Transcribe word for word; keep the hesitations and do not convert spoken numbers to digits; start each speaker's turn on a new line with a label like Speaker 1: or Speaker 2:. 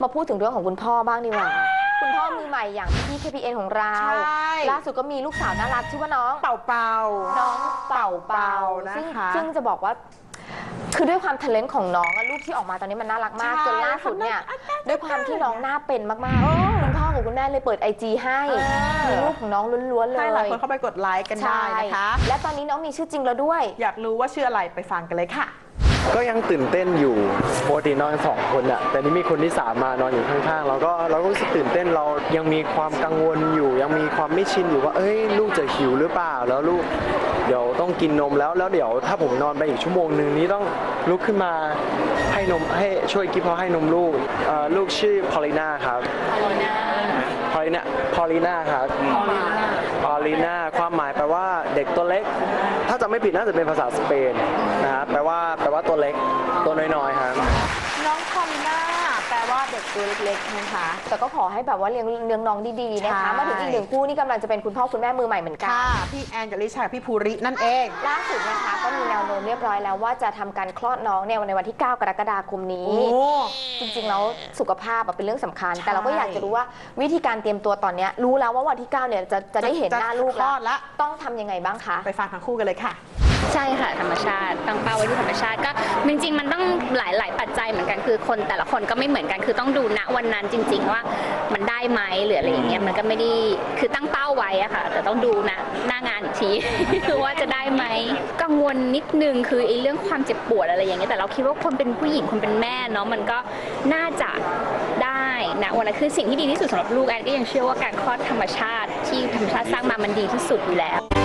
Speaker 1: มาพูดถึงเรื่องของคุณพ่อบ้างดีกว่าคุณพ่อมือใหม่อย่างพี่ เค พี เอ็น ของเราล่าสุดก็มีลูกสาวน่ารักชื่อว่าน้อง
Speaker 2: เป่าเป่า
Speaker 1: น้องเป่าเป่านะคะซึ่งจะบอกว่าคือด้วยความทะเลนต์ของน้องรูปที่ออกมาตอนนี้มันน่ารักมากจนล่าสุดเนี่ยด้วยความที่น้องหน้าเป็นมากๆคุณพ่อกับคุณแม่เลยเปิด ไอ จี ให้มีรูปของน้องล้วนๆเลย
Speaker 2: ให้หลายคนเข้าไปกดไลค์กันได้นะคะ
Speaker 1: และตอนนี้น้องมีชื่อจริงแล้วด้วย
Speaker 2: อยากรู้ว่าชื่ออะไรไปฟังกันเลยค่ะ
Speaker 3: ก็ยังตื่นเต้นอยู่ปกตินอนสองคนอะแต่นี่มีคนที่สามมานอนอยู่ข้างๆเราก็เราก็รู้สึกตื่นเต้นเรายังมีความกังวลอยู่ยังมีความไม่ชินอยู่ว่าเอ้ยลูกจะหิวหรือเปล่าแล้วลูกเดี๋ยวต้องกินนมแล้วแล้วเดี๋ยวถ้าผมนอนไปอีกชั่วโมงหนึ่งนี้ต้องลุกขึ้นมาให้นมให้ช่วยกิ๊บพอให้นมลูกลูกชื่อพอลิน่าครับพอลิน่าพอลิน่าพอลิน่าครับพอลิน่าความหมายแปลว่าเด็กตัวเล็กถ้าจำไม่ผิดน่าจะเป็นภาษาสเปนนะครับแปลว่าแปลว่าตัวเล็กตัวน้อยๆครับ
Speaker 2: น้องพอลิน่าแปลว่าเด็กตัวเล็กๆนะคะ
Speaker 1: แต่ก็ขอให้แบบว่าเลี้ยงเลี้ยงน้องดีๆนะคะมาถึงอีกหนึ่งคู่นี่กำลังจะเป็นคุณพ่อคุณแม่มือใหม่เหมือนกัน
Speaker 2: พี่แอนกับลิชาพี่ภูรินั่นเอง
Speaker 1: ล่าสุดนะคะก็มีแนวโน้มเรียบร้อยแล้วว่าจะทำการคลอดน้องเนี่ยในวันที่เก้ากรกฎาคมนี้จริงๆแล้วสุขภาพเป็นเรื่องสำคัญแต่เราก็อยากจะรู้ว่าวิธีการเตรียมตัวตอนนี้รู้แล้วว่าวันที่เก้าเนี่ยจะจะได้เห็นหน้าลูกแล้วต้องทำยังไงบ้างคะ
Speaker 2: ไปฟังทั้งคู่กันเลยค่ะ
Speaker 4: ใช่ค่ะธรรมชาติตั้งเป้าไว้ที่ธรรมชาติก็จริงๆมันต้องหลายหลายปัจจัยเหมือนกันคือคนแต่ละคนก็ไม่เหมือนกันคือต้องดูณวันนั้นจริงๆว่ามันได้ไหมหรืออะไรอย่างเงี้ยมันก็ไม่ได้คือตั้งเป้าไว้อะค่ะแต่ต้องดูนะหน้างานอีกที คือว่าจะได้ไหมกังวลนิดนึงคือไอ้เรื่องความเจ็บปวดอะไรอย่างเงี้ยแต่เราคิดว่าคนเป็นผู้หญิงคนเป็นแม่เนาะมันก็น่าจะได้นะวันนั้นคือสิ่งที่ดีที่สุดสำหรับลูกแอนก็ยังเชื่อว่าการคลอดธรรมชาติที่ธรรมชาติสร้างมามันดีที่สุดอยู่แล้ว